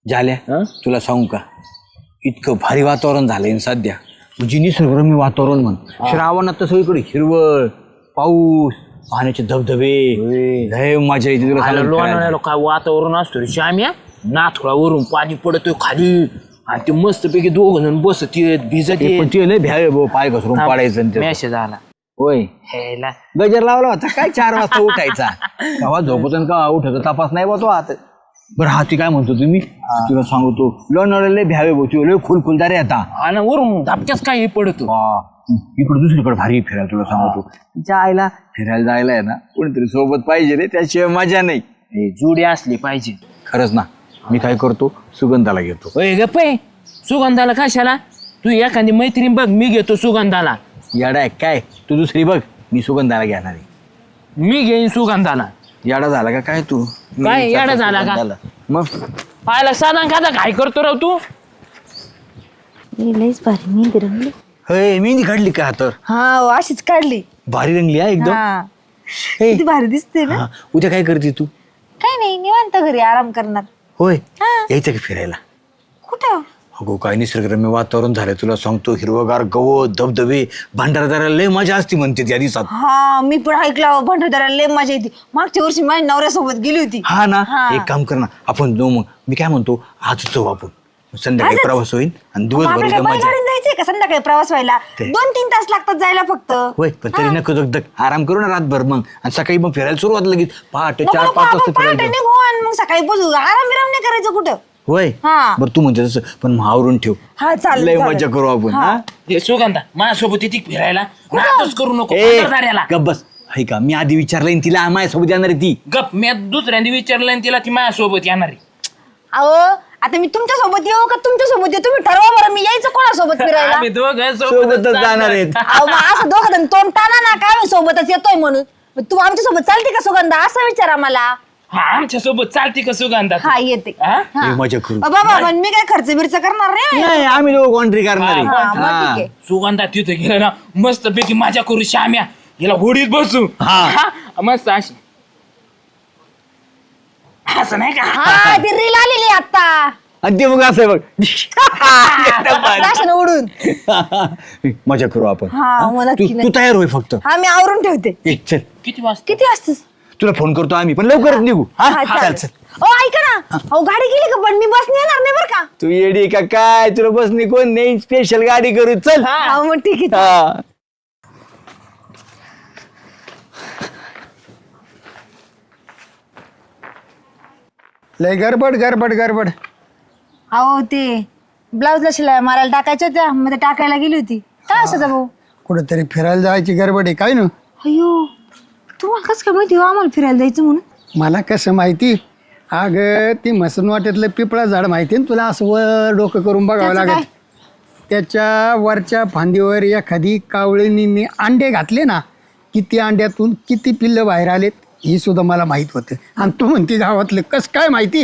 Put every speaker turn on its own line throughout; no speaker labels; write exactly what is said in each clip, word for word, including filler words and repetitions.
झाल्या तुला सांगू का इतकं भारी वातावरण झालंय सध्या म्हणजे निसर्गरम्य वातावरण म्हण श्रावणात तर सगळीकडे हिरवळ पाऊस पाण्याचे धबधबे लय मजा येते तुला
लोणावळ्याला काय वातावरण असतो रे श्याम्या नाथुळावरून पाणी पडतोय खाली आणि ते मस्तपैकी दोघ जण बसत येत भिजत
पण ते लय भ्यावे भाऊ पाय घसरून पडायचं
मॅसेज आला
होय
हेला
गजर लावला होता काय चार वाजता उठायचा केव्हा झोपतो का उठतो तपास नाही बा तो आता बरं हाती काय म्हणतो तुम्ही तुला सांगतो लोणावळ्याला लय भ्यावे भाऊ तू लय खुलखुलदार आता
आणि वरून धबक्याच काय पडतो
इकडे दुसरीकडे भारी फिरायला तुला सांगतो जायला फिरायला जायला आहे ना कोणीतरी सोबत पाहिजे रे त्याशिवाय मजा नाही
जोडी असली पाहिजे
खरंच ना मी काय करतो सुगंधाला घेतो
गप्पे सुगंधाला कशाला तू एखादी मैत्रीण बघ मी घेतो सुगंधाला
याडा आहे काय तू दुसरी बघ मी सुगंधाला घेणार आहे
मी घेईन सुगंधाला
याडा झाला का काय तू
काय याडा झाला का
मग
पाहायला साधा खादा काय करतो राव तू
लईच भारी मेहंदी रंगली
हे मेहंदी काढली का तर
हा अशीच काढली
भारी रंगली हा एकदम
हा
हे,
किती भारी दिसते ना
हा, उद्या काय करते तू
काय नाही निवांत घरी आराम करणार
होय
हा.
यायचं का फिरायला
कुठं
अगो काय निसर्गरम्य वातावरण झालंय तुला सांगतो हिरवगार गवत धबधबे भंडारदाराला लय मजा असती म्हणते त्या दिवसात
हा मी पण ऐकलं भंडारदऱ्याला लय मजा येते मागच्या वर्षी माझ्या नवऱ्यासोबत गेली होती
हा ना
हा.
एक काम कर ना आपण जाऊ मग मी काय म्हणतो आज जाऊ आपण संध्याकाळी
आजच?
प्रवास होईल आणि
मग
दिवसभर
आपल्याला
इथं
काय
मजा
बैलगाडीने जायचंय का संध्याकाळी प्रवास व्हायला
ते.
दोन तीन तास लागतात जायला फक्त
होय पण तरी नको दगदग आराम करू ना रातभर मग आणि सकाळी मग फिरायला सुरुवात लगेच पहाटे
नको,
चार
नको,
पाच
आपण
वाजता
पहाटे
फिरायला
निघू आणि मग सकाळी पोहोचू आराम विराम नाही करायचं कुठं
होय
हा.
बरं तू म्हणते तसं पण महावरून ठेव
हा चालेल
लय
चालेल.
मजा करू आपण
हा.
हा
हे सुगंधा माझ्यासोबत येते फिरायला नाटच करू नको
ए,
भंडारदाऱ्याला.
गप्प बस हाय का मी आधी विचारलं तिला माझ्यासोबत येणार आहे ती
गप मी दुसऱ्यांदा विचारलं आणि तिला ती माझ्यासोबत येणार आहे
अहो आता मी तुमच्या सोबत येऊ का तुमच्या सोबत येऊ तुम्ही ठरवा बरं मी यायचं कोणासोबत फिरायला
आम्ही दोघं
सोबतच जाणार आहेत
अहो मग असं दोघं जण तोंड टाना ना काय मी सोबतच येतोय म्हणून मग तू आमच्या सोबत चालते का सुगंधा असं विचारा मला
हा आमच्या सोबत चालते का सुगंधा तू?
हा येते
हा?
हा.
लय मजा करू
अ, बाबा पण मी काय खर्च बिर्च करणार नाही
नाही आम्ही लोक कॉन्ट्री करणार आहे.
हा, मग
हा.
ठीक आहे.
सुगंधा तिथं गेलं ना मस्त पैकी मजा करू श्याम्या याला होडीत बसू
हा.
हा, मस्त अशी असं नाही का
हा ती रील आलेली आता
आणि ते मग असं आहे बघ एकदम भारी.
राशन उडून
मजा करू आपण
हा, मग
तू
नक्की,
तू
नक्की.
तयार होय फक्त
हा मी आवरून ठेवते
ए, चल
किती वाजता
किती वाजतास
तुला फोन करतो आम्ही पण लवकरच निघू हा
हा,
चल
चालेल.
चल
ओ ऐका ना अहो गाडी गेली का पण मी बसने येणार नाही बरं का
तू येडी का काय तुला बसनी कोण नाही स्पेशल गाडी करू चल
हा मग ठीक आहे
हा.
लय गडबड गडबड गडबड
अहो ते ब्लाऊजला शिलाई मारायला टाकायच्या होत्या मग ते टाकायला गेली होती काय असं भाऊ
कुठेतरी फिरायला जायची गडबड आहे काय ना
अयो तुम्हाला कसं काय माहिती हो आम्हाला फिरायला जायचं म्हणून
मला कसं माहिती अगं ती मसन वाटेतलं पिपळा झाड माहिती ना तुला असं वर डोकं करून बघावं
त्याचं
लागत त्याच्या वरच्या फांदीवर एखादी कावळीनी अंडे घातले ना किती अंड्यातून किती पिल्लं बाहेर आलेत ही सुद्धा मला माहीत होतं आणि तू म्हणती गावातलं कसं काय माहिती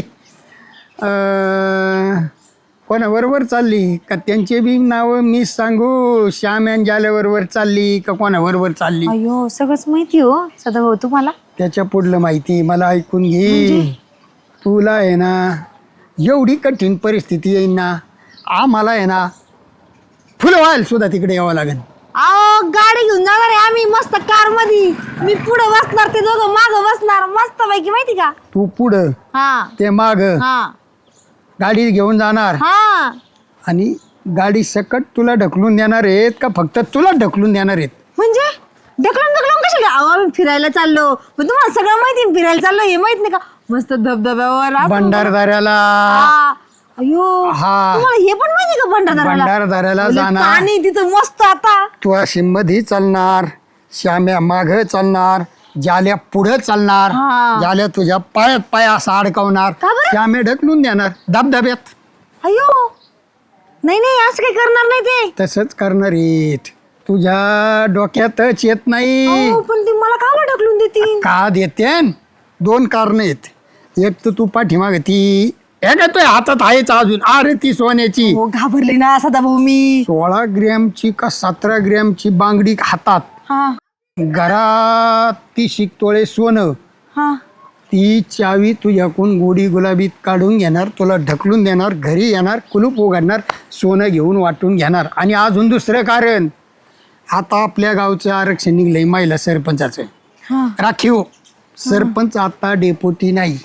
अं, कोणाबरोबर चालली का त्यांचे बी नावं मी सांगू श्याम यांच्याबरोबर चालली का कोणाबरोबर चालली
अयो सगळंच माहिती हो सदाभाऊ तुम्हाला
त्याच्या पुढलं माहिती मला ऐकून घे तुला आहे ना एवढी कठीण परिस्थिती येईन ना आम्हाला आहे ना फुलं व्हायला सुद्धा तिकडे यावं लागेल
अहो गाडी घेऊन जाणार आहे आम्ही मस्त कार मध्ये मी पुढे बसणार ते दोघं मागं बसणार मस्त पैकी माहिती का
तू पुढं
हा
ते माग
हा
गाडी घेऊन जाणार
हा
आणि गाडी सकट तुला ढकलून देणार आहेत का फक्त तुला ढकलून देणार आहेत
म्हणजे ढकलून ढकलून कशाला अहो आम्ही फिरायला चाललो पण तुम्हाला सगळं माहिती आहे, फिरायला चाललो हे माहित नाही का मस्त धबधब्यावर असं-
भंडारदाऱ्याला
हा. अयो
हा.
तुम्हाला हे पण माहिती का भंडारदऱ्याला
भंडारदऱ्याला
म्हणजे
जाणार.
पाणी तिथं मस्त आता
तू अशी मधी चालणार श्याम्या माग चालणार जाल्या पुढे चालणार
हा.
जाल्या तुझ्या पायात पाय असा अडकवणार
का बरं?
श्यामे ढकलून देणार धबधब्यात
अयो नाही नाही असं काही करणार नाही ते
तसंच करणार आहेत तुझ्या डोक्यातच येत नाही
अहो, पण ती मला का बरं ढकलून देतील
का देते दोन कारण आहेत एक तर तू पाठीमाग ती एक तुझ्या हातात आहेच अजून अरे ती सोन्याची
हो घाबरले ना सदाभाऊ मी
सोळा ग्रॅमची का सतरा ग्रॅमची बांगडी हातात
हा
घरात ती शिकतोळे सोनं
हा
ती चावी तुझ्याकडून गोडी गुलाबीत काढून घेणार, तुला ढकलून देणार, घरी येणार, कुलूप उघडणार, सोनं घेऊन वाटून घेणार. आणि अजून दुसरं कारण, आता आपल्या गावचं आरक्षण निघलंय महिला सरपंचाचं.
हा
राखीव सरपंच आता डेपुटी नाही,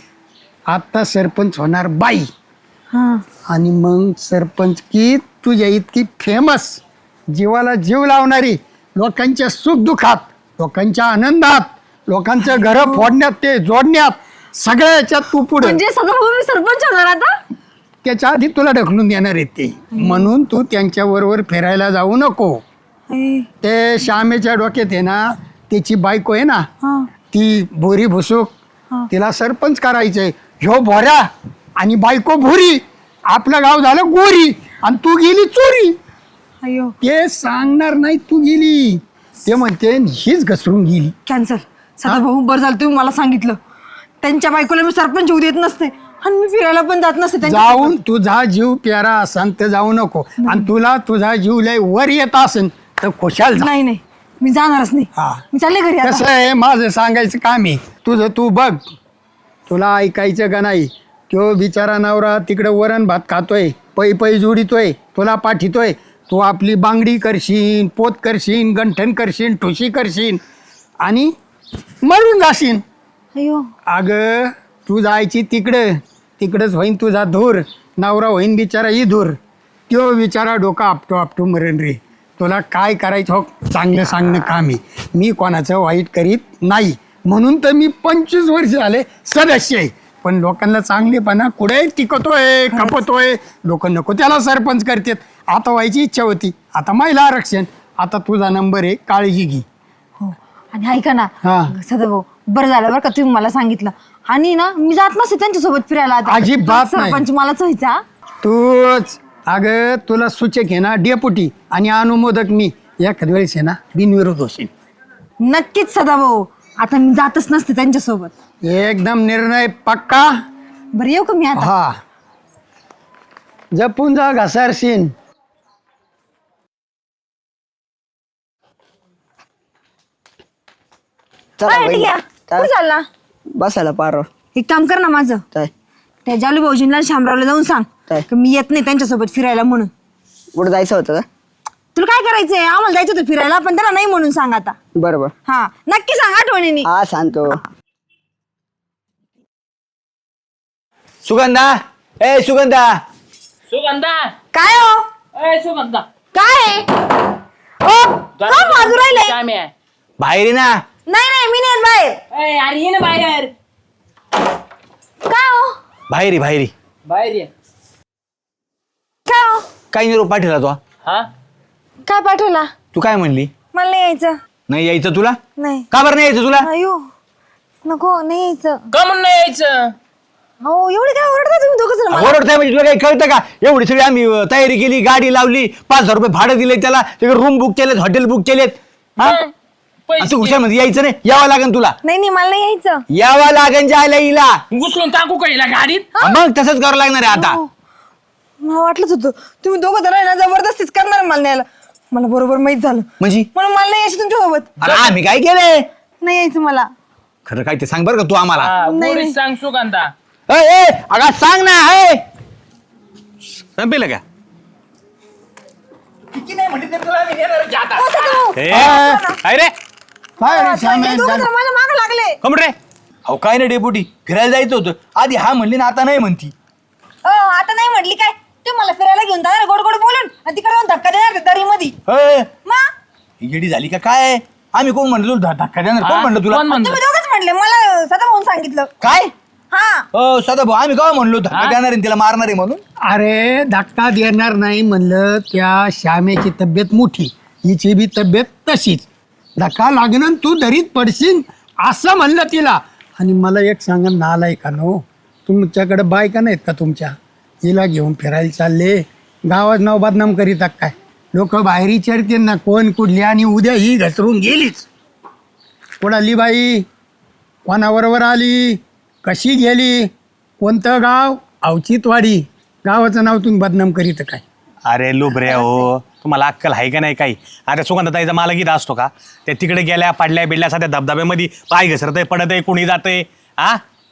आता सरपंच होणार बाई.
हा
आणि मग सरपंच की तुझ्या इतकी फेमस, जीवाला जीव लावणारी, लोकांच्या सुखदुःखात, लोकांच्या आनंदात, लोकांचं घरं फोडण्यात ते जोडण्यात, सगळ्या याच्यात तू पुढे.
म्हणजे सदाभाऊ मी सरपंच होणार आता.
त्याच्या आधी तुला ढकलून देणार आहेत ते, म्हणून तू त्यांच्या बरोबर फिरायला जाऊ नको.
ए,
ते श्यामेच्या डोक्यात आहे ना, त्याची बायको आहे ना,
हा
ती भोरी भुसूक,
हा.
तिला सरपंच करायचंय. ह्यो भोऱ्या आणि बायको भोरी, आपलं गाव झालं गोरी आणि तू गेली चोरी.
अयो
ते सांगणार नाही तू गेली, ते म्हणते हीच घसरून गेली.
कॅन्सल. सदाभाऊ बरं झालं तुम्ही मला सांगितलं. त्यांच्या बायकोला मी सरपंच होऊ देत नसते आणि मी फिरायला पण जात नसते त्यांच्या
जाऊन तुझा जीव प्यारा असन तर जाऊ नको, आणि तुला तुझा जीव लय वर येत असन तर खुशाल जा.
नाही नाही मी जाणारच नाही.
हा.
मी चालले घरी
कसं
आता.
आहे, माझं सांगायचं काम आहे, तुझं तू बघ. तुला ऐकायचं का नाही? तो बिचारा नवरा तिकडं वरण भात खातोय, पै पै जोडितोय, तुला पाठितोय. तू आपली बांगडी करशील, पोत करशील, गंठण करशील, ठुशी करशील आणि मरून जाशील.
अयो
अगं तू जायची तिकडं, तिकडंच होईन तुझा धूर, नवरा होईन बिचारा ही धूर. तो बिचारा डोका आपटो आपटो मरण रे. तुला काय करायचं हो, चांगलं सांगणं काम आहे. मी कोणाचं वाईट करीत नाही, म्हणून तर मी पंचवीस वर्ष झाले सदस्य आहे. पण लोकांना चांगलेपणा कुठे टिकतोय, खपतोय. लोक नको त्याला सरपंच करतात. आता व्हायची इच्छा होती, आता महिला आरक्षण. आता तुझा नंबर आहे, काळजी घे.
हो आणि ऐका ना
हा.
सदाभाऊ बरं झालं बरं का तुम्ही मला सांगितलं. आणि ना मी जात नसते त्यांच्यासोबत फिरायला आता.
अजिबात नाही.
सरपंच मलाच व्हायचा.
तूच अगं तुला सूचक आहे ना डेपुटी, आणि अनुमोदक मी. एखाद्या वेळेस आहे ना बिनविरोध होशील.
नक्कीच सदाभाऊ, आता मी जातच नसते त्यांच्यासोबत.
एकदम निर्णय पक्का.
बरं येऊ का मी आता.
हा, जपून जा घसारशीन.
चला
अरे,
बहिणी.
ठीक आहे.
काय?
कुठं चालला?
बसायला पारो
एक काम कर ना माझं.
काय
त्या जालू भाऊजींना आणि शामरावला जाऊन सांग
काय?
की मी येत नाही त्यांच्यासोबत फिरायला म्हणून.
कुठं जायचं होतं का?
तुला काय करायचंय? आम्हाला जायचं होतं फिरायला, पण त्याला नाही म्हणून सांग आता.
बरोबर.
हा नक्की सांग आठवणीने.
हा सांगतो.
सुगंधा, ए सुगंधा.
सुगंधा
काय हो
ए सुगंधा
काय आहे? ओ, का बाजू राहिले?
काम आहे.
बाहेर ये ना.
नाही नाही मी नाही येत बाहेर.
ए, अरे ये ना बाहेर.
काय हो
बाहेर ये, बाहेर ये.
बाहेर ये.
काय हो
काय निरोप पाठवला तो?
हा
काय पाठवला?
तू काय म्हणली?
मला नाही यायचं.
नाही यायचं तुला?
नाही.
का बरं नाही यायचं तुला?
अयो नको नाही यायचं.
का म्हणून नाही यायचं?
हो एवढे काय ओरडता तुम्ही दोघं जण मला?
ओरडताय म्हणजे तुला काही कळतं का? एवढी सगळी आम्ही अं, तयारी केली, गाडी लावली, पाच हजार रुपये भाडं दिले त्याला, तिकडे रूम बुक केलेत, हॉटेल बुक केलेत. हा?
हं, पैसे
असं हुशार मध्ये यायचं नाही, यावं लागेल तुला.
नाही नाही मला नाही यायचं.
यावं लागेल जायला हिला.
घुसलून टाकू का हिला गाडीत?
मग तसंच करावं लागणार आहे आता.
हो. मला वाटलंच होतं तुम्ही दोघं जण आहे ना जबरदस्तीच करणार मला न्यायला. मला बरोबर माहित झालं
म्हणजे
म्हणून मला नाही यायचं तुमच्या सोबत.
अरे आम्ही काय केलंय?
नाही यायचं मला.
खरं काय ते सांग बरं का तू आम्हाला.
हा,
नाही,
गोडीत
नाही.
सांग सुगंधा.
ए, ए, अगं सांग ना. ए संपेल का?
हो, सदाभाऊ.
ए,
अ,
काय रे?
काय रे श्यामे?
हे दोघं जण माझ्या मागं लागले.
कमरे अहो काय नाही डेपुटी, फिरायला जायचं होतं. आधी हा म्हणली ना, आता नाही म्हणती.
हो आता नाही म्हटली काय? तू मला फिरायला घेऊन जाणार गोड गोड बोलून आणि तिकडे जाऊन धक्का देणार दरी मध्ये.
ए,
मा
ही येडी झाली का काय? आम्ही कोण म्हणलो तुला धक्का देणार? कोण म्हणलं तुला?
कोण म्हणलं?
तुम्ही दोघंच म्हटले मला सदाभाऊन सांगितलं.
काय?
हा
हो सदा भाऊ, आम्ही काय म्हणलो धक्का देणार आहे तिला, मारणार आहे म्हणून?
अरे धक्का देणार नाही म्हणलं, त्या श्यामेची तब्येत मोठी, हिची बी तब्येत तशीच. धक्का लागणं तू दरीत पडशील असं म्हणलं तिला. आणि मला एक सांगा, नालाय का नो, तुमच्याकडे बायका नाहीत का तुमच्या? हिला घेऊन फिरायला चालले, गावात नाव बदनाम करीत काय? लोक बाहेर विचारतील ना कोण कुठली, आणि उद्या ही घसरून गेलीच. कोणाली बाई, कोणाबरोबर आली, कशी गेली, कोणतं गाव, अवचितवाडी, गावाचं नाव तुम्ही बदनाम करीत काय?
अरे लुबरे हो, तुम्हाला अक्कल आहे का नाही काही? अरे सुगंधताईचा मला गीत असतो का? त्या तिकडे गेल्या, पडल्या बिडल्या, सध्या धबधब्यामध्ये पाय घसरतंय, पडत आहे, कुणी जातंय. हा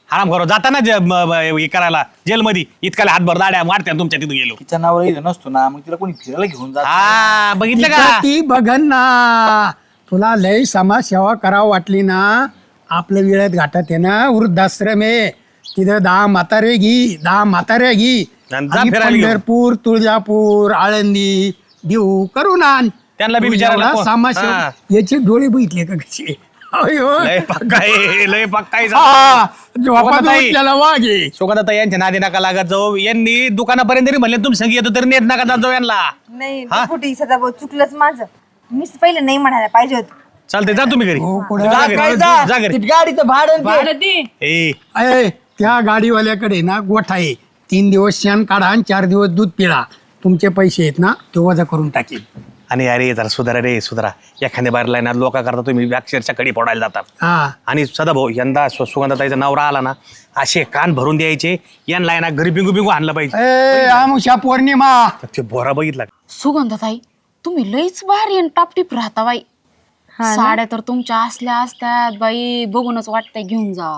आराम करो जाताना जे- म- म- हे करायला जेलमध्ये इतकाला हातभर दाड्या मारत्या तुमच्या तिथून गेलो
तिच्या नावावर इथं नसतो ना मग तिला कोणी फिरायला घेऊन जात
हा बघितलं
तिथं
का
ती बघन ना. तुला लय समाजसेवा करावं वाटली ना, आपलं विळत घाटात आहे ना वृद्धाश्रम आहे, तिथं दहा म्हातारे घी दहा म्हाताऱ्या घी
आणि जा
आणि
फिरायला घेऊन.
पंढरपूर तुळजापूर आळंदी देऊ करून आण.
त्यांना बी
तू
विचारायला
एवढा
कोण?
समाजसेवा
हा.
याचे डोळे बघितले का कसे अयो.
लय पक्का आहे, लय पक्का आहे.
हा, झोपात
ताई.
उठलेला वाघ आहे.
सुगंधाताई यांच्या नादी नका लागत जाऊ. यांनी दुकानापर्यंत जरी म्हणले तुम्ही संगी येतो तरी नेत नका जात जाऊ यांना.
नाही
हा?
कुठे सदाभाऊ चुकलंच माझं. मीच पहिले नाही म्हणायला पाहिजे होतं.
चालतंय जा तुम्ही घरी
हो, पुढं.
जा घरी. जा घरी
गाडीचं भाडं
भाडं दे.
ए
अय, त्या गाडीवाल्याकडे ना गोठा आहे, तीन दिवस शेण काढा आणि चार दिवस दूध पिळा, तुमचे पैसे आहेत ना ते वजा करून टाकेल.
आणि अरे जरा सुधारा रे सुधारा. एखाद्या बाहेरला ना लोका करता तुम्ही अक्षरच्या कडी फोडायला जातात.
हा
आणि सदाभाऊ यंदा सु- सुगंधाताईचा नवरा आला ना असे कान भरून द्यायचे, यांना आहे ना घरी बिंगू बिंगू आणलं पाहिजे.
ए आमुषा पौर्णिमा.
ते बोरा बघितला का?
सुगंधाताई तुम्ही लईच भारी आणि टापटीप राहता बाई. साड्या तर तुमच्या असल्या असतात बाई, बघूनच वाटतंय घेऊन जा.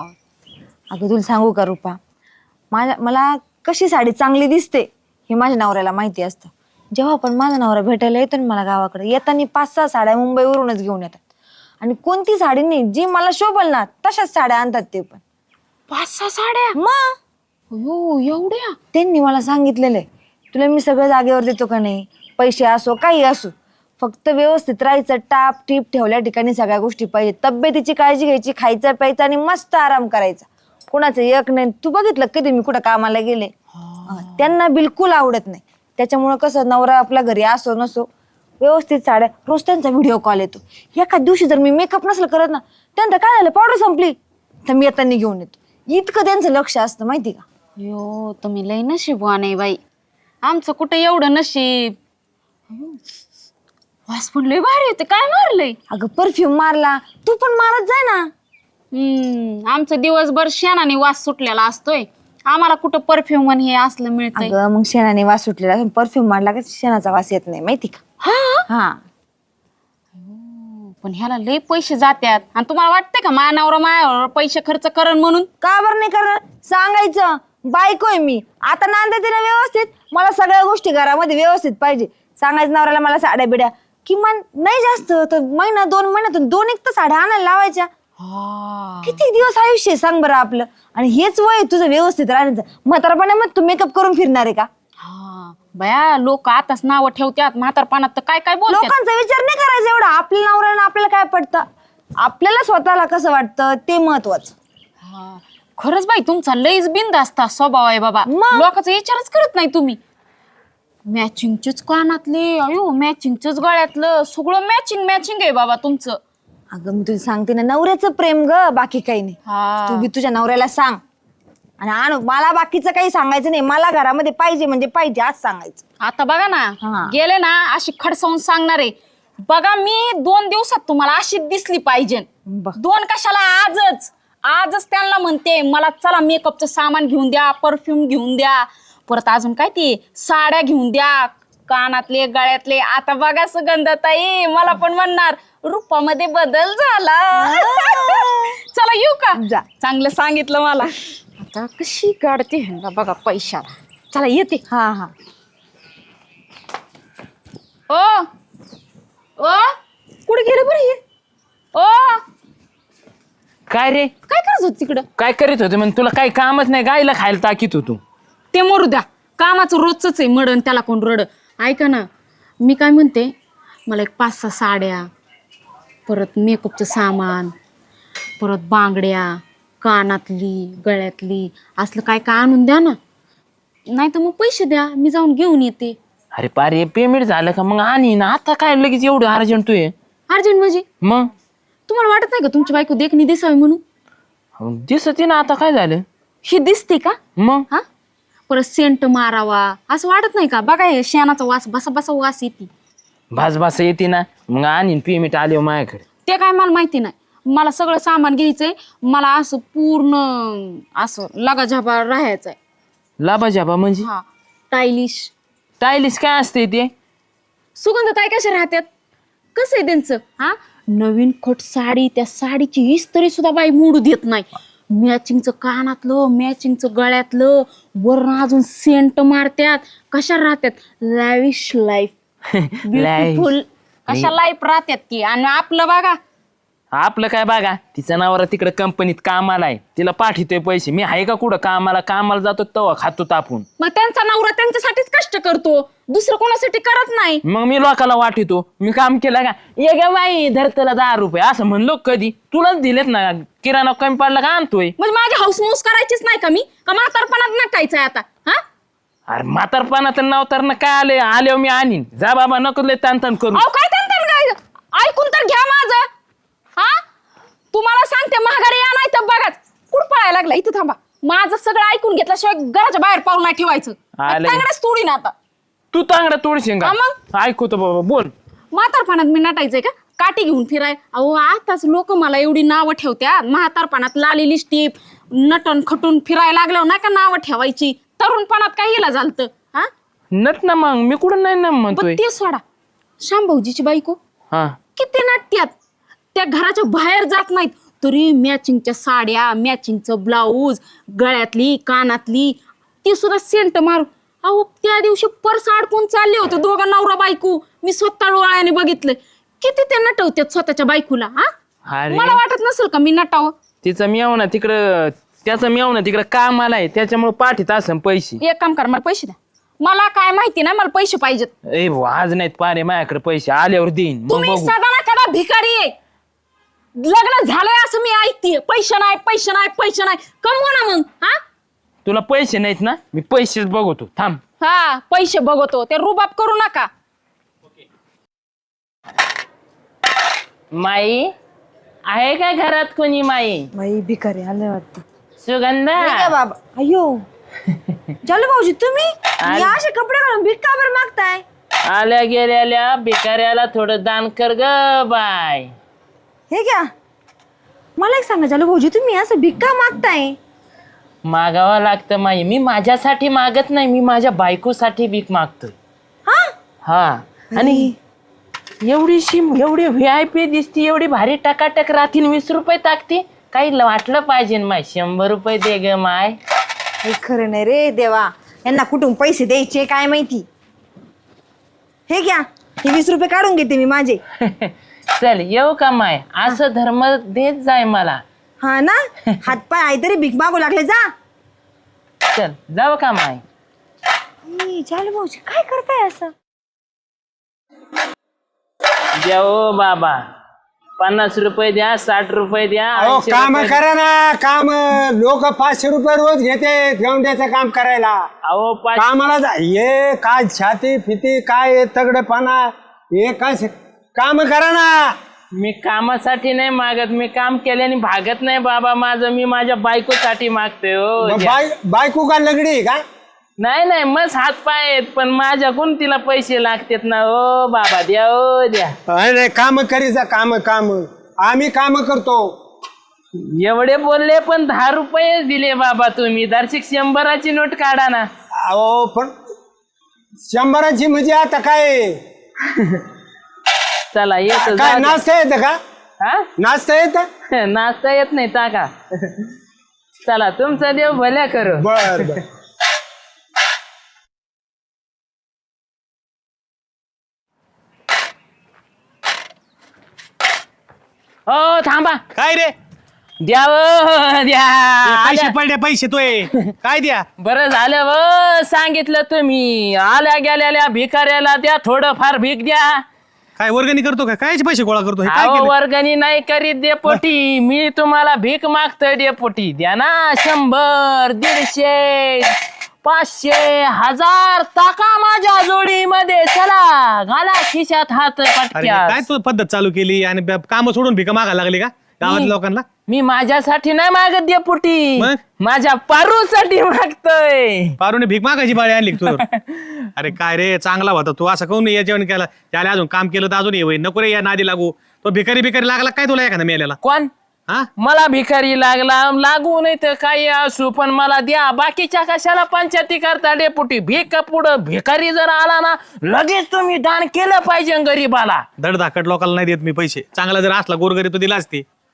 अगं तुला सांगू का रुपा, माझ्या मला कशी साडी चांगली दिसते हे माझ्या नवऱ्याला माहिती असतं. जेव्हा पण माझा नवरा भेटायला येतो ना मला गावाकडे, येताना पाच सहा साड्या मुंबईवरूनच घेऊन येतात. आणि कोणती साडी नाही जी मला शोभल ना तशाच साड्या आणतात ते पण.
पाच सहा साड्या
मग
अयो एवढ्या.
त्यांनी मला सांगितलेलं आहे, तुला मी सगळं जागेवर देतो का नाही, पैसे असो काही असो, फक्त व्यवस्थित राहायचं, टाप टीप ठेवल्या ठिकाणी सगळ्या गोष्टी पाहिजे, तब्येतीची काळजी घ्यायची, खायचं प्यायचं आणि मस्त आराम करायचा, कुणाचं एक नाही. तू बघितलं कधी मी कुठं कामाला गेले, त्यांना बिलकुल आवडत नाही. त्याच्यामुळं कसं नवरा आपल्या घरी असो नसो व्यवस्थित साड्या, रोज त्यांचा व्हिडिओ कॉल येतो. एका दिवशी जर मी मेकअप नसलं करत ना, त्यांचं काय झालं पावडर संपली तर मी येताना घेऊन येतो. इतकं त्यांचं लक्ष असतं माहिती का.
यो तुम्ही लई नशीबवान आहे बाई, आमचं कुठं एवढं नशीब. अयो, वास पण लय भारी होते. काय मारलंय?
अगं परफ्यूम मारला, तू पण मारत जाय ना.
हम्म आमचं दिवसभर शेणाने वास सुटलेला असतोय, आम्हाला कुठं परफ्यूम आणि हे असलं मिळतंय.
अगं मग शेणाने वास सुटलेला, परफ्यूम मारला का शेणाचा वास येत नाही माहिती का. हा
पण ह्याला लय पैसे जात्यात आणि तुम्हाला वाटतंय का माझ्या नवरा माझ्यावर पैसे खर्च करण म्हणून?
का बरं नाही करणार, सांगायचं बायको आहे मी, आता नांदायचे ना व्यवस्थित, मला सगळ्या गोष्टी घरामध्ये व्यवस्थित पाहिजे. सांगायचं नवऱ्याला मला साड्या बिड्या किमान नाही जास्त तर महिना दोन महिन्यातून दोन एक तर साड्या आणायला लावायच्या. किती दिवस आयुष्य आहे सांग बरं आपलं. आणि हेच वय तुझं व्यवस्थित राहण्याचं. म्हातारपणामध्ये तू मेकअप करून फिरणार आहे का.
हा बया, लोक आताच नाव ठेवतात म्हातारपणात तर काय काय बोलतात.
लोकांचा विचार नाही करायचा एवढा, आपल्या नवऱ्यानं आपल्याला काय पडतं, आपल्याला स्वतःला कसं वाटतं ते महत्वाचं.
हा खरंच बाई, तुमचा लईच बिनधास्त स्वभाव आहे बाबा.
मग?
लोकांचा विचारच करत नाही तुम्ही. मॅचिंगचेच कानातले, अयो मॅचिंगचेच गळ्यातलं, सगळं मॅचिंग मॅचिंग आहे बाबा तुमचं.
अगं मी तुला सांगते ना, नवऱ्याचं प्रेम ग, बाकी काही नाही.
हा
तू बी तुझ्या नवऱ्याला सांग आणि आण, मला बाकीचं काही सांगायचं नाही, मला घरामध्ये पाहिजे म्हणजे पाहिजे आज सांगायचं.
आता बघा
हा.
ना, गेले ना अशी खडसावून सांगणार आहे. बघा मी दोन दिवसात तुम्हाला अशी दिसली पाहिजे.
बघ.
दोन कशाला, आजच आजच त्यांना म्हणते मला चला मेकअपचं सामान घेऊन द्या, परफ्यूम घेऊन द्या, परत अजून काय ते साड्या घेऊन द्या, कानातले गळ्यातले. आता बघा सुगंधाताई मला पण म्हणणार रूपामध्ये बदल झाला. चला येऊ का,
जा.
चांगलं सांगितलं मला. आता कशी काढते ह्यांना बघा पैशाला. चला येते.
हा हा
ओ ओ कुठे गेले बरं हे? ओ
काय रे,
काय करत होत तिकडं?
काय करीत होते मग? तुला काही कामच नाही, गायला खायला टाकीत होतो.
ते मरू द्या, कामाचं रोजच आहे मडण, त्याला कोण रड. ऐका ना, मी काय म्हणते, मला एक पाच सहा साड्या, परत मेकअपचं सामान, परत बांगड्या, कानातली गळ्यातली असलं काय काय आणून द्या ना. नाही तर मग पैसे द्या, मी जाऊन घेऊन येते.
अरे पारे, पेमेंट झालं का मग आणि ना. आता काय लगेच एवढं अर्जंट तू आहे?
अर्जंट म्हणजे
मग
तुम्हाला वाटत नाही का तुमची बायको देखणी दिसावी म्हणून?
दिसते ना. आता काय झालं?
ही दिसते का?
मग
हा परत सेंट मारावा असं वाटत नाही का? बघा हे शेणाचा वास बसा बसा वास येते.
भास भास येते ना. मग आणि पेमेंट आले माझ्याकडे.
ते काय मला माहिती नाही. मला सगळं सामान घ्यायचंय, मला असं पूर्ण असं लगाझाबा राहायचंय.
लाभा जाबा म्हणजे
हा स्टायलिश.
स्टायलिश काय असते ते?
सुगंधताई कशा राहतात, कसं आहे त्यांचं? हा नवीन खोट साडी, त्या साडीची इस्त्री सुद्धा बाई मोडू देत नाही. मॅचिंगचं कानातलं मॅचिंगचं गळ्यातलं वरून अजून सेंट मारत्यात. कशा राहत्यात लॅविश लाईफ ब्युटिफुल कशा लाईफ राहत्यात की. आणि आपलं बघा
आपलं काय बघा, तिचं नावावर तिकडे कंपनीत कामाला आहे, तिला पाठवतोय पैसे. मी आहे का कुठं कामाला? कामाला जातो तेव्हा खातो तापून.
मग त्यांचा नवरा त्यांच्यासाठीच कष्ट करतो, दुसरं कोणासाठी करत नाही.
मग मी लोकाला वाटतो मी काम केलं का, ये ग बाई धर तुला दहा रुपये असं म्हणलो कधी? तुलाच दिलेत ना, किराणा कमी पडला का आणतोय.
म्हणजे माझी हाऊसमौस करायचीच नाही का मी? का म्हातारपणात नकायचंय आता? हा
अरे म्हातारपणा तर नावतर ना काय आले आले मी आणीन. जा बाबा नको लय ताण ताण करू.
अहो काय त्यांचं काय, ऐकून तर घ्या माझं. हा तुम्हाला सांगते महागारी या नाही तर बघाच कुठं पळायला लागला. इथं थांबा, माझं सगळं ऐकून घेतल्याशिवाय घराच्या बाहेर पाऊल नाही ठेवायचं.
आले.
तांगडच तोडीन आता.
तू तांगडा तोडशील का?
हा मग?
ऐकतो बाबा बोल.
म्हातारपणात मी नटायचंय का काठी घेऊन फिराय? अहो आताच लोक मला एवढी नावं ठेवत्या. म्हातारपणात लाली लिस्टिप नटन खटून फिरायला लागल्यावर नाही का नावं ठेवायची? तरुणपणात काय हिला झालतं? हा
नट ना मग मी कुठं नाही ना म्हणतोय.
बरं ते सोडा, शांभाऊजीची बायको
हा
किती नाट्यात, त्या घराच्या बाहेर जात नाहीत तरी मॅचिंगच्या साड्या मॅचिंगचं ब्लाऊज गळ्यातली कानातली ती सुद्धा सेंट मारू. अहो त्या दिवशी पर्स अडकून चालले होते दोघं नवरा बायको, मी स्वतः डोळ्याने बघितलंय. किती ते नटवतात स्वतःच्या बायकोला. हा
अरे.
मला वाटत नसेल का मी नटावं?
तिचं मेव ना तिकडं, त्याचं मेव ना तिकडं कामाला आहे, त्याच्यामुळे पाठीत असं पैसे.
एक काम कर, मला पैसे द्या. मला काय माहिती नाही, मला पैसे पाहिजेत.
ए भाऊ आज नाहीत पारे माझ्याकडे पैसे, आल्यावर देईन मग
तुम्ही
बघू.
सदा ना कदा भिकारी आहे. लग्न झालंय असं मी ऐकते, पैसे नाही पैसे नाही पैसे नाही. कमवा ना मग. हा
तुला पैसे नाहीत ना, मी पैसेच बघतो थांब.
हा पैसे बघतो, ते रुबाब करू नका.
माई आहे का घरात कोणी? माई
बाई भिकारी आले वाटतं.
सुगंधा
नाही का बाबा? अयो झालं भाऊजी तुम्ही
आले.
या असे कपडे घालून भीक का बरं मागताय?
आल्या गेल्याल्या भिकाऱ्याला थोडं दान कर ग बाय.
हे घ्या. मला एक सांगा झालं भाऊजी तुम्ही असं भीक का मागताय?
मागावं लागतं माई. मी माझ्यासाठी मागत नाही, मी माझ्या बायकोसाठी भीक मागतोय.
हा
हा आणि एवढीशी एवढी व्ही आय पी दिसती, एवढी भारी टकाटक राहतील, वीस रुपये टाकते. काही वाटलं पाहिजे माय, शंभर रुपये दे ग माय.
हे खरं नाही रे देवा, यांना कुठून पैसे द्यायचे काय माहिती. हे घ्या, हे वीस रुपये काढून घेते मी माझे.
चल येऊ का माय? असं धर्म देत जाय मला.
हा ना, हातपाय आहे तरी भीक मागू लागले. जा
चल जाऊ का माय?
ई, झालं भाऊजी काय करताय असं?
द्या ओ बाबा, पन्नास रुपये द्या, साठ रुपये द्या,
अहो
ऐंशी
काम
रुपये-
करा ना काम. लोक पाचशे रुपये रोज घेते गवंड्याचं काम करायला.
अहो पाच
कामाला जा. हे काय छाती फिती काय तगडेपणा हे काय काम करा ना.
मी कामासाठी नाही मागत, मी काम केल्याने भागत नाही बाबा माझं. मी माझ्या बायकोसाठी मागतोय हो.
मग
द्या.
बाय बायको का लगडी आहे का?
नाही नाही मस्त हात पाय आहेत, पण माझ्याकडून तिला पैसे लागतात ना. ओ बाबा द्या ओ द्या.
अरे काम करीचा काम काम आम्ही काम करतो.
एवढे बोलले पण दहा रुपये दिले बाबा तुम्ही. दर्शिक शंभराची नोट काढा ना.
अहो पण शंभराची म्हणजे आता काय
चला येतो.
काय
जा द्या.
नाचता येतं का?
हा
नाचता येतं?
नाचता येत नाही टाका. चला तुमचा देव भल्या करू.
बर बर.
हो थांबा.
काय रे
द्या ओ, द्या.
पैसे
आल्या.
पडले पैसे तोय काय द्या.
बरं झालं व सांगितलं तुम्ही. आल्या गेलेल्या भिकाऱ्याला द्या थोडं फार भीक द्या.
काय वर्गणी करतो का? कायचे पैसे गोळा करतो? हे काय
अहो,
केलं?
वर्गणी नाही करीत डेपोटी, मी तुम्हाला भीक मागतोय डेपोटी. द्या ना शंभर दीडशे पाचशे हजार टाका माझ्या जोडीमध्ये. चला घाला खिशात हात
अरे
पटक्यात.
काय तू पद्धत चालू केली आणि काम सोडून भिका मागायला लागली का गावातल्या लोकांना?
मी माझ्यासाठी नाही मागत डेपोटी,
मग?
माझ्या पारूसाठी मागतोय.
पारूने भीक मागायची बाळी आणली का तू? अरे काय रे चांगला होता तू, असं काऊन या जेवण केला? त्याला अजून काम केलं तर अजून ये नको रे या नादी लागू. तो भिकारी भिकारी लागला काय तुला एखादा मेल्याला?
कोण?
हा
मला भिकारी लागला लागू नाही तर काही असू, पण मला द्या. बाकीच्या कशाला पंचायती करता डेपुटी? भीक पुढं भिकारी जर आला ना लगेच तुम्ही दान केलं पाहिजे गरीबाला.
धडधाकट लोकांना नाही देत मी पैसे. चांगला जर असला गोरगरी तो दिला असते.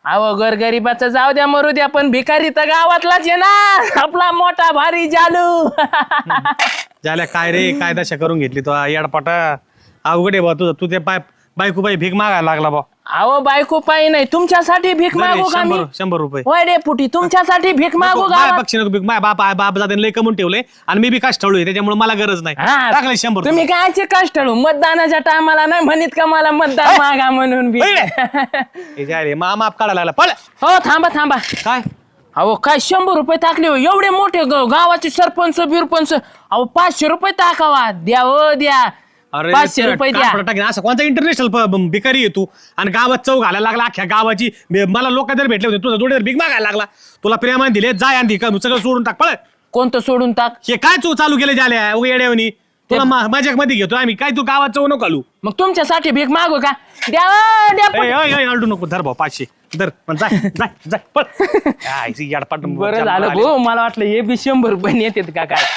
अहो गोरगरिबाचं जाऊ द्या मरू द्या, पण भिकारी तर गावातलाच आहे ना, आपला मोठा भारी जालू.
झाल्या काय रे काय दशा करून घेतली तो येडपाटा. अवघड आहे बा तुझं. तू ते पाय बायको बाई भीक मागायला लागला बा.
अहो बायको पायी नाही, तुमच्यासाठी भीक मागू का मी?
शंभर शंभर रुपये
होय डेपुटी, तुमच्यासाठी भीक मागू
माय
का?
पक्षी नको भीक. माय बाप बाप जाते लय कमून ठेवले आणि मी बी काच ठेवलोय त्याच्यामुळे मला गरज नाही.
हा.
टाकले शंभर रुपये.
तुम्ही कायचे कष्ट मतदानाच्या टायमाला नाही म्हणित का मला मतदान मागा म्हणून बी.
हे जे आहे रे, मा माप काढायला लागला पळ.
हो थांबा थांबा.
काय
अहो काय शंभर रुपये टाकले हो, एवढे मोठे ग- गावाचे सरपंच बिरपंच. अहो पाचशे रुपये टाकावा, द्या हो द्या,
अरे
पाचशे रुपये द्या.
कापड टाकीन. असं कोणता इंटरनॅशनल भिकारी आहे तू आणि गावात चौ घालायला लागला अख्ख्या गावाची. मे- मला लोक जर भेटले होते तुझा जोडीदार भीक मागायला लागला. तुला प्रेमाने दिले जाय आणि का सगळं सोडून टाक पळ.
कोणतं सोडून टाक?
हे काय तू चालू केले झाल्या उगा येड्यावानी. तुला माझ्या मध्ये घेतो आम्ही काय. तू गावात चौ नको घालू.
मग तुमच्यासाठी भीक मागू का? द्या हो, द्या
ए,
पण.
ए, ए, अडू नको. धर भाऊ पाचशे धर. पण जाय जाय जाय पळ. काय ती येडपाट
बरं झालं भाऊ, मला वाटलं हे बी शंभर रुपये येतात का काय.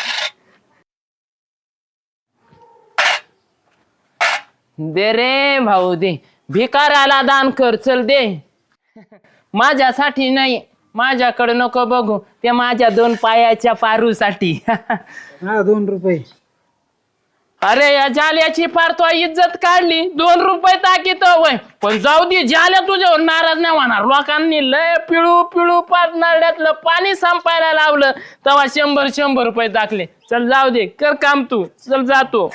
दे रे भाऊ दे, भिकाराला दान कर, चल दे. माझ्यासाठी नाही, माझ्याकडे नको बघू, ते माझ्या दोन पायाच्या पारूसाठी.
दोन रुपये.
अरे या जाल्याची फार तो इज्जत काढली, दोन रुपये टाकीत वय. पण जाऊ दे, जाल्या तुझ्यावर नाराज नाही होणार. लोकांनी लय पिळू पिळू पाच नारड्यातलं पाणी संपायला लावलं, तेव्हा शंभर शंभर रुपये टाकले. चल जाऊ दे, कर काम तू, चल जातो.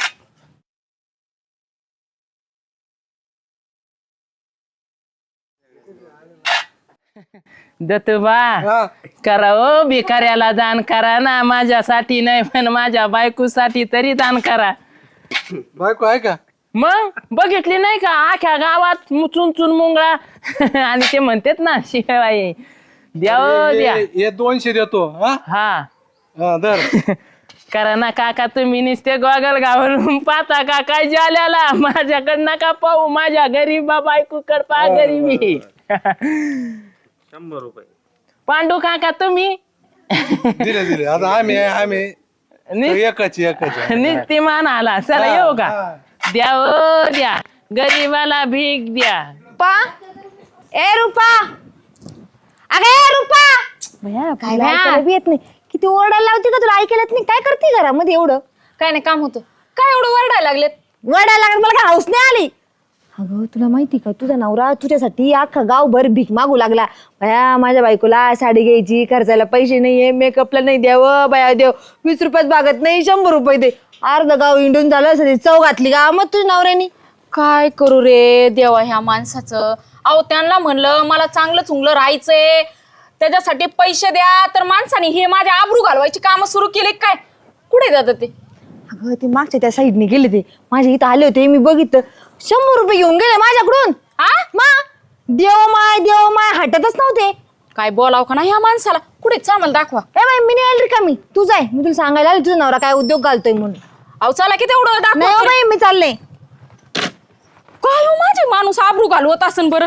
दत्तबा करा ओ, भिकाऱ्याला दान करा ना, माझ्यासाठी नाही पण माझ्या बायकोसाठी तरी दान करा.
बायको आहे का?
मग बघितली नाही का आख्या गावात चुन चुन मुंगळा. आणि ते म्हणतात ना शिवाय द्याव द्या.
हे दोनशे देतो. हा
हा
हा, धर.
करा ना काका, तुम्ही नुसते गॉगल घालून पाहता का काय जाल्याला? माझ्याकडं नका पाहू, माझ्या गरीबा बायकोकड पहा गरीबी.
शंभर रुपये.
पांडू काका तुम्ही
दिले दिले. आता आम्ही आम्ही एकाची एकाची.
निस्तीमान आला. चला येऊ का? द्या ओ द्या, गरीबाला भीक द्या.
पा ए रुपा, अगे ए रुपा. भया काय ऐकायला बी येत नाही. किती ओरडायला लावते का तुला? ऐकायला येत नाही. काय करते घरामध्ये एवढं?
काय नाही काम होतं. काय एवढं वरडायला लागलेत?
ओरडायला लागत मला काय हौस नाही आली. अगं तुला माहिती का, तुझा नवरा तुझ्यासाठी अख्खा गावभर भीक मागू लागला. बया माझ्या बायकोला साडी घ्यायची, खर्चायला पैसे नाहीये, मेकअपला नाही द्यावं, बया देव वीस रुपयात भागत नाही, शंभर रुपये दे. अर्ध गाव इंडून झालं, सगळी चव घातली का मग तुझ्या नवऱ्यानी.
काय करू रे देवा ह्या माणसाचं. अहो त्यांना म्हणलं मला चांगलं चुंगलं राहायचंय, त्याच्यासाठी पैसे द्या, तर माणसाने हे माझ्या आबरू घालवायची कामं सुरू केली काय? कुठे जातात ते?
अगं ते मागच्या त्या साईडने गेले, ते माझ्या इथं आले होते, मी बघितलं. शंभर रुपये घेऊन गेले माझ्याकडून.
हा
मा देव माय देव माय हटतच नव्हते.
काय बोलाव का ना ह्या माणसाला? कुठे आम्हाला दाखवा.
ए बाई मी नाही आली का, मी तू जाय, मी तुला सांगायला आली तुझा नवरा काय उद्योग घालतोय म्हणून.
अहो चला की तेवढं
नाही
दाखवा.
हो बाई मी चालले.
काय हो माझे माणूस आबरू घालवत असन बरं.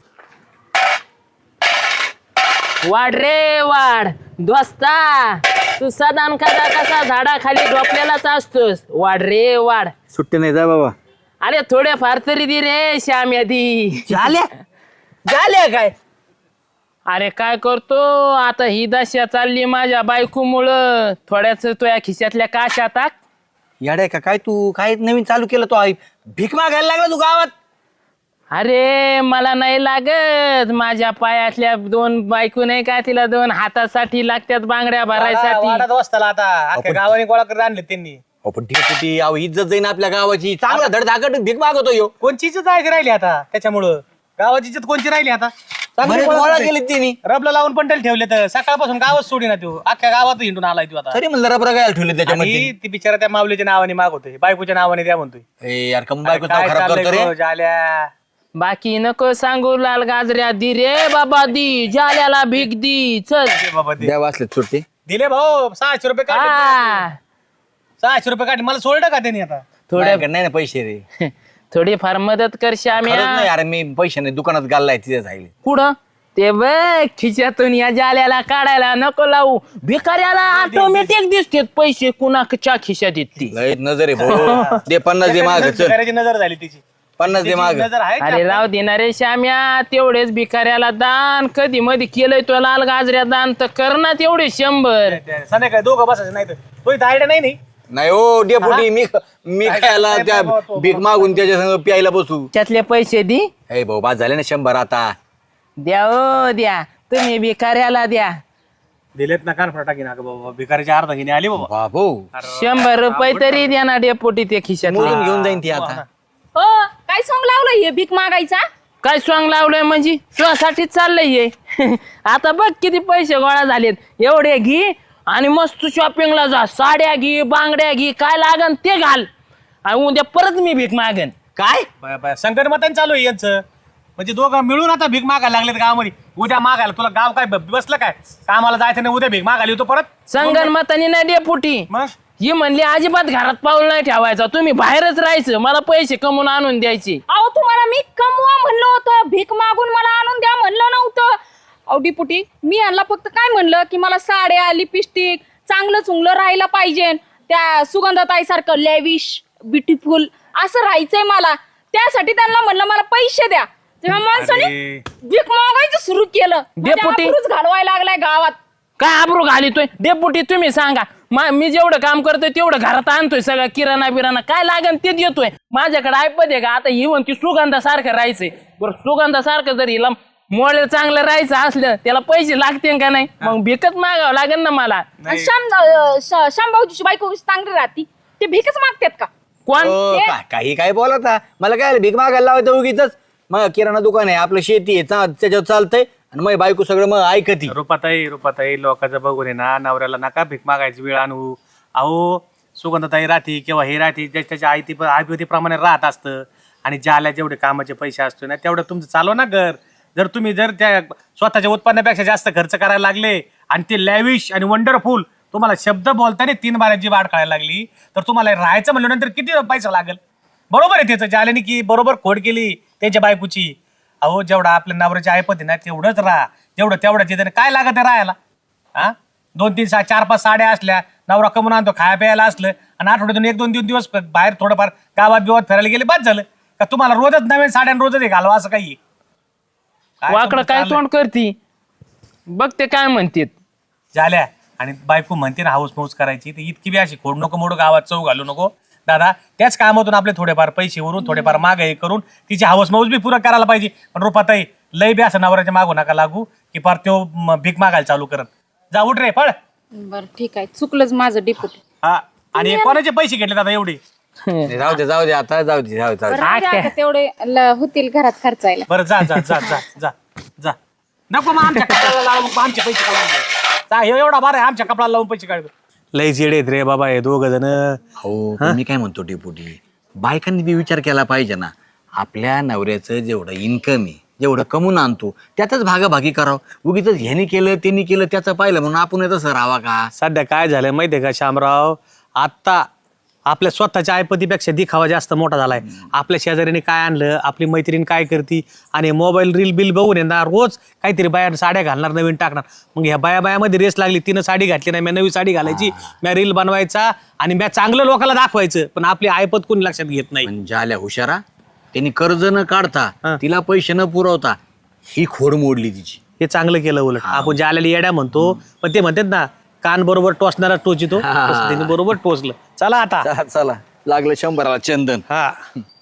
वाढ रे वाढ दोस्ता, तू सदान कसा कसा झाडाखाली झोपलेलाच असतोस. वाढ रे वाढ.
सुट्टी नाही जा बाबा.
अरे थोडे फार तरी दे रे श्याम यादी.
झाल्या झाल्या काय?
अरे काय करतो आता, ही दशा चालली माझ्या बायकोमुळं. थोड्याच तुझ्या खिशातल्या काशा टाक.
याड का काय तू? काय नवीन चालू केलं तो? आई भीक मागायला लागला तू गावात?
अरे मला नाही लागत, माझ्या पायातल्या दोन बायको नाही का, तिला दोन हातासाठी लागतात बांगड्या भरायसाठी.
वाडात वस्ताला आता अख्ख्या गावाने गोळा करत आणले त्यांनी.
हो पण ठीक अहो इज्जत जाईन आपल्या गावाची. चांगला धडधाकट भीक मागवतो यो.
कोणची जायची राहिली आता त्याच्यामुळं? गावाची इज्जत कोणची राहिली आता? चांगली
बरेच
गोळा
गोळा
करते.
केलेत त्यांनी.
रबला लावून पंटल ठेवले तर सकाळपासून गावात सोडी ना तू. अख्ख्या गावात हिंडून आलाय तू आता.
तरी म्हणलं रबरा काय ठेवले त्याच्यामध्ये.
आणि ती बिचारा त्या माऊलीच्या नावाने मागवतोय, बायकोच्या नावाने द्या म्हणतोय.
ए यार कम बायको
काय
खराब
चाललंय
करतो रे.
गो, जाल्या.
बाकी नको सांगू लाल गाजऱ्या, दी रे बाबा दी, जाल्याला भीक दी. चल
दे बाबा दे.
द्या वाचले सुट्टी.
दिले भाऊ सहाशे रुपये काढले.
हा
सहाशे रुपये काढले. मला सोडलं का त्यांनी आता?
थोडे
माझ्याकडे नाही ना पैसे रे.
थोडी फार मदत कर
खरंच
श्याम्या.
नाही अरे, मी पैसे नाही दुकानात घाललाय तिथे जाईल.
पुढं ते बघ खिशातून या जाल्याला काढायला नको लावू. भिकाऱ्याला ऑटोमॅटिक दिसतेत पैसे कुणाच्या खिशात येते.
लय नजर आहे भाऊ. दे पन्नास दे माग चल.
करायची नजर झाली तिची.
पन्नास दे माग
नजर आहे
अरे राव देणारे श्याम्या तेवढेच भिकाऱ्याला दान कधी मध्ये केलंय तो लाल गाजऱ्या दान तर कर ना तेवढे शंभर
संध्याकाळी दोघं बसायचं नाही तर तो इथं आयडिया नाही नाही
नाही हो डेपुटी मी मी खायला त्या भीक मागून त्याच्या संग प्यायला बसू
त्यातले पैसे दे
हे भाऊ बाद झाले ना शंभर आता
द्या ओ द्या तुम्ही भिकाऱ्याला द्या
दिलेत ना कान फटाकी ना बाबा भिकारीची अर्धा घेणे आली बाबा
बाबो
शंभर रुपये तरी द्या ना डेपोटी ते खिशात
मोजून घेऊन जाईन ती आता
हो काय सॉंग लावलं हे भीक मागायचा
काय सॉंग लावलंय म्हणजे तुझ्यासाठीच चाललंय हे आता बघ किती पैसे गोळा झालेत एवढे घे आणि मस्त शॉपिंगला जा साड्या घे बांगड्या घे काय लागन ते घाल आणि उद्या परत मी भीक मागन
काय संकट मतान चालू आहे यांचं म्हणजे दोघं मिळून आता भीक मागायला लागलेत गावामध्ये उद्या मागायला तुला गाव काय ब- बसलं काय कामाला जायचं नाही उद्या भीक मागायला येतो परत
संगणमतानी नाही डेपुटी
मग
ही म्हणली अजिबात घरात पाऊल नाही ठेवायचा तुम्ही बाहेरच राहायचं मला पैसे कमवून आणून द्यायचे
अहो तुम्हाला मी कमवा म्हणलं होतं भीक मागून मला आणून द्या म्हणलं नव्हतं अहो डिपुटी मी यांना फक्त काय म्हणलं की मला साड्या लिपस्टिक चांगलं चुंगलं राहायला पाहिजे त्या सुगंधताई सारखं लेविश ब्युटिफुल असं राहायचंय मला त्यासाठी त्यांना म्हणलं मला पैसे द्या तेव्हा माणसाने भीक मागायचं सुरू केलं
डेपुटी.
डेपुटी घालवायला लागलाय गावात
काय आबरू घालितोय डेपुटी तुम्ही सांगा मा- मी जेवढं काम करतोय तेवढं घरात आणतोय सगळं किराणा बिराणा काय लागन ते देतोय माझ्याकडे ऐपत आहे का आता ही म्हणती सुगंधासारखं राहायचंय बरं सुगंधासारखं जर हिला मोळे चांगलं राहायचं असलं त्याला पैसे लागते का नाही मग भिकच मागावं लागेल ना मला
आणि श्याम अं, श- श्याम भाऊची बायको कशी चांगली राहती ते भीकच मागतात का
कोण
हो,
ते-
काय- काही काय बोलता मला काय भीक मागायला लावायचं उगीच मग किराणा दुकान आहे आपलं शेती आहे चा- त्याच्यावर चालतंय आणि मग बायको सगळं मग ऐकती
रुपाताई रुपाताई लोकांचं बघून आहे ना नवऱ्याला नका भीक मागायची वेळ आणू अहो सुगंधताई राहते किंवा हे राहते ज्या त्याच्या आयती आयपतीप्रमाणे राहत असतं आणि ज्याला जेवढे कामाचे पैसे असतो ना तेवढं तुमचं चालव ना घर जर तुम्ही जर त्या स्वतःच्या उत्पन्नापेक्षा जास्त खर्च करायला लागले आणि ते लॅविश आणि वंडरफुल तुम्हाला शब्द बोलताना तीन बाराची वाढ कळायला लागली तर तुम्हाला राहायचं म्हणलं नंतर किती पैसा लागेल बरोबर आहे त्याचं ज्याने की बरोबर खोड केली त्याच्या बायकोची अहो जेवढा आपल्या नवऱ्याची ऐपत आहे ना तेवढंच राहा जेवढं तेवढंच येतं काय लागत आहे राहायला हा दोन तीन सहा चार पाच साड्या असल्या नवरा कमून आणतो खाया प्यायला असलं आणि आठवड्यातून एक दोन तीन दिवस बाहेर थोडंफार गावात बिवात फिरायला गेले बाद झालं का तुम्हाला रोजच नवीन साड्या आणि रोजच हे घालवा असं काही काय
वाकडं
तुमचं
काय
चाललंय?
तोंड करती बघ ते काय म्हणतेत
झाल्या आणि बायको म्हणते ना हाऊस मौज करायची तर इतकी बी अशी खोड नको मोडू गावात चव घालू नको दादा त्याच कामातून आपले थोडेफार पैसे वरून थोडेफार माग हे करून तिची हाऊस मौज बी पुरं करायला पाहिजे पण रुपाताई लय बी असं नवऱ्याच्या मागू नका लागू की पार तो म, भीक मागायला चालू करत जा उठ रे पळ
बरं ठीक आहे चुकलंच माझं डिपुटी
हा आणि कोणाचे पैसे घेतले दादा एवढे
नाही, जाऊ दे जाऊ दे आता जाऊ दे जाऊ दे, जाऊ दे.
राहू द्या आता तेवढे ल- होतील घरात खर्चायला
बरं जा जा जा जा जा जा नको मग आमच्या कपड्याला लावून मग आमचे पैसे काढून घे. जा हे एवढा बार आहे आमच्या कपड्याला लावून पैसे काढतो लय जेडे रे बाबा हे दोघ जण
हो पण मी काय म्हणतो डेपुटी बायकांनी बी विचार केला पाहिजे ना आपल्या नवऱ्याचं जेवढं इन्कम आहे जेवढं कमवून आणतो त्यातच भागाभागी करावं उगीच ह्यानी केलं त्यांनी केलं त्याचं पाहिलं म्हणून आपण तसं राहावा का
सध्या काय झालंय माहितीये का शामराव आता आपल्या स्वतःच्या आयपतीपेक्षा दिखावा जास्त मोठा झालाय आपल्या शेजाऱ्याने काय आणलं आपली मैत्रीण काय करती आणि मोबाईल रील बिल बघून येणार रोज काहीतरी बाया साड्या घालणार नवीन टाकणार मग ह्या बाया बायामध्ये रेस लागली तिनं साडी घातली नाही मी नवी साडी घालायची मी रील बनवायचा आणि मी चांगलं लोकांना दाखवायचं पण आपली आयपत कोणी लक्षात घेत नाही
म्हणजे आल्या हुशारा त्यांनी कर्ज न काढता
हा.
तिला पैसे न पुरवता ही खोड मोडली तिची
हे चांगलं केलं उलट आपण ज्या आलेली येड्या म्हणतो पण ते म्हणतात ना कान बरोबर टोचणारा टोचितो तसं त्यांनी बरोबर टोचलं चला आता
चला चला लागलं शंभराला चंदन
हा